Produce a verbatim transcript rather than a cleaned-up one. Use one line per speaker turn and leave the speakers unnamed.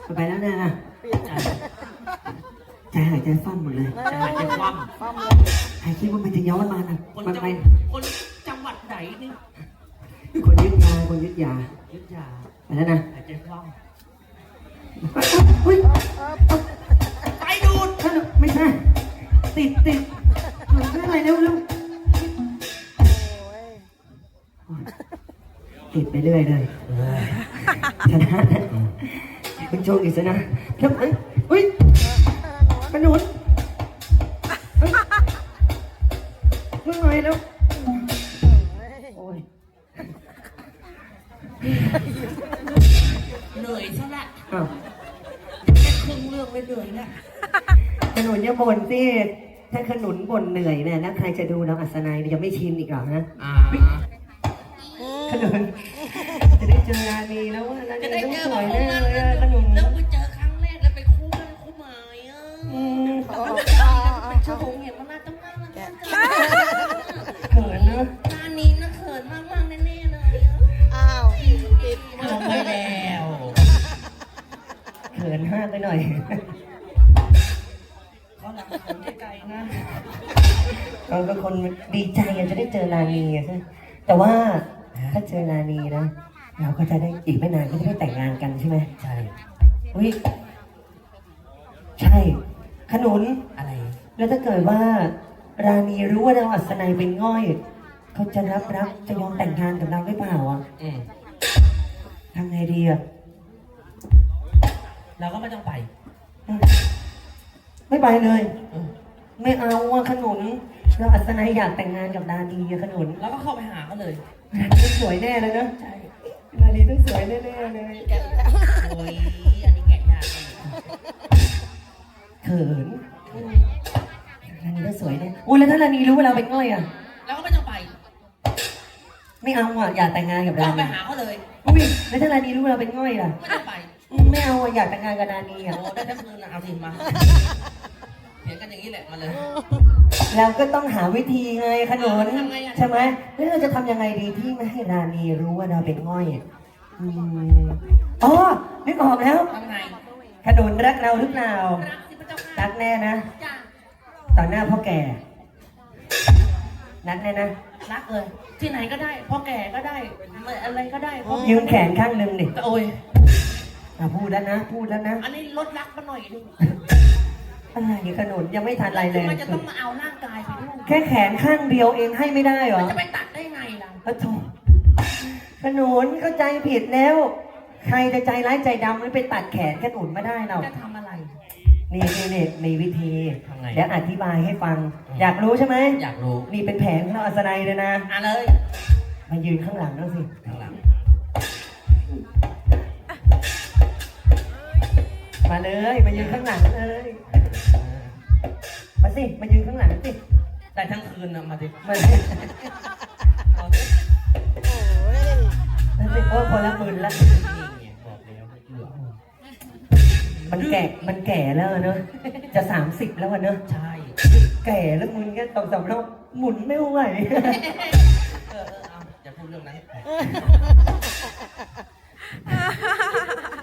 ไปแล้วนะใจหายใจฟั่มหมดเลยใจหายใจฟั่มใครคิดว่ามันจะย้อนมาน่ะมันไป
คนจังหวัดไหนนี่
คนยึดยาคนยึดยา
ยึดยา
ไปแล้วนะ
หายใจฟั่ม
เฮ้ย
ไปดูด
ไม่ใช่ติดติดไม่อะไรเร็วเร็วติดไปเรื่อยเลยชนะคุณโชคดีชนะแล้วเฮ้ยกระหนุนเมื่อไงแล้วโอ้ย
เหนื่อยซะละ
อ้าว
แค่ครึ่งเรื่องไม่เหนื่อยนะ
ขนุนอย่าบ่นสิถ้าขนุนบ่นเหนื่อยเนี่ยแล้วใครจะดูน้องอัศนัยจะไม่ชินอีกหรอฮะขนุนจะได้เจอราณีแล้วว่าราณีต้องสวยแน่เลยอะขนุน
แล้วไปเจอครั้งแรกแล้วไปคู่กันคู่หมายอ่ะอืมแต่ว่าจะเป็นชั่วโมงเห็นมันน่าจะมากนะ
เขินเนอะ
ราณีน่ะเขินมากมากแน่ๆเลย
อ้าวติด
ลงไปแล้ว
เขินมากไปหน่อย
เขาหลังเขินไกลๆนะ
เราเป็นคนดีใจจะได้เจอราณีใช่แต่ว่าถ้าเจอราณีนะเราก็จะได้อีกไม่นานก็จะได้แต่งงานกันใช่ไหม
ใช่
อุ้ยใช่ขนุน
อะไร
แล้วถ้าเกิดว่าราณีรู้ว่าเราอัศนัยเป็นง่อยเขาจะรับรับจะยอมแต่งงานกับเราได้เปล่าอ่ะทำไงดีอ่ะ
เราก็ไม่ต้องไป
ไม่ไปเลยไม่เอาอ่ะขนุนเราอัศนัยอยากแต่งงานกับราณีอะขนุน
แล้วก็เข้าไปหาเขาเลย
ราณีสวยแน่เลยนะใช่ราณีต้องสวยแน่ๆเลย
โอ้ยอันนี้แกะยาก
เขินราณีต้องสวยแน่อุ้ยแล้วถ้าราณีรู้ว่าเราเป็นง่อยอ่ะ
แล้วก็ไม่ต้องไป
ไม่เอาอ่ะอยากแต่งงานกับราณี
ไปหาเขาเลย
อุ้ยแล้วถ้าราณีรู้ว่าเราเป็นง่อยล่ะ
ไม่ต้องไป
ไม่เอาอ่ะอยากแต่งงานกับราณีอ่ะ
โอ้ได้ทั้งคืนนะเอาทีมาเห็นกันอย่างนี้แหละมาเลย
เราก็ต้องหาวิธีไงขนุนใช่ไหมแล้วเราจะทำยังไงดีที่ไม่ให้ราณีรู้ว่าเราเป็นง่อยอืมอ๋อนึกออกแล้ว
ทำไง
ขนุนรักเราหรือเปล่ารักแน่นะต่อหน้าพ่อแก่รักแน่นะ
รักเลยที่ไหนก็ได้พ่อแก่ก็ได้อะไรก็ได้
ยืนแขนข้างหนึ่งดิ
โอ้ย
พูดแล้วนะพูดแล้วนะ
อันนี้ลดรักมาหน่อยนึง
อะไรขนุนยังไม่ทันอะไรเลย
มันจะต้องมาเอาร่างกายไปด้วย
แค่แขนข้างเดียวเองให้ไม่ได้เหรอ
จะไปตัดได้ไงล่ะ
พระโถขนุนเข้าใจผิดแล้วใครจะใจร้ายใจดำไม่ไปตัดแขนขนุนไม่ได้เรา
จะทำอะไร
นี่นี่นี่มีวิธี
ทำไง
เดี๋ยวอธิบายให้ฟังอยากรู้ใช่ไหม
อยากรู้
นี่เป็นแผนของเราอัศนัยเลยนะ
อ่ะเลย
มายืนข้างหลังแล้วสิ
ข้างหลัง
มาเลยมายืนข้างหลังเลยมาสิมายืนข้างหลังสิ
ได้ทั้งคืนนะมาสิ
มาสิโอ้ยมาสิโอ้ยพอละหมื่นละ
บอกแล้ว
มันแก่มันแก่แล้วเนอะจะสามสิบแล้วเนอะ
ใช่
แก่แล้วมึงแค่สองสามรอบหมุนไม่ไหว
เออเออเอาอย่าพูดเรื่องนั้น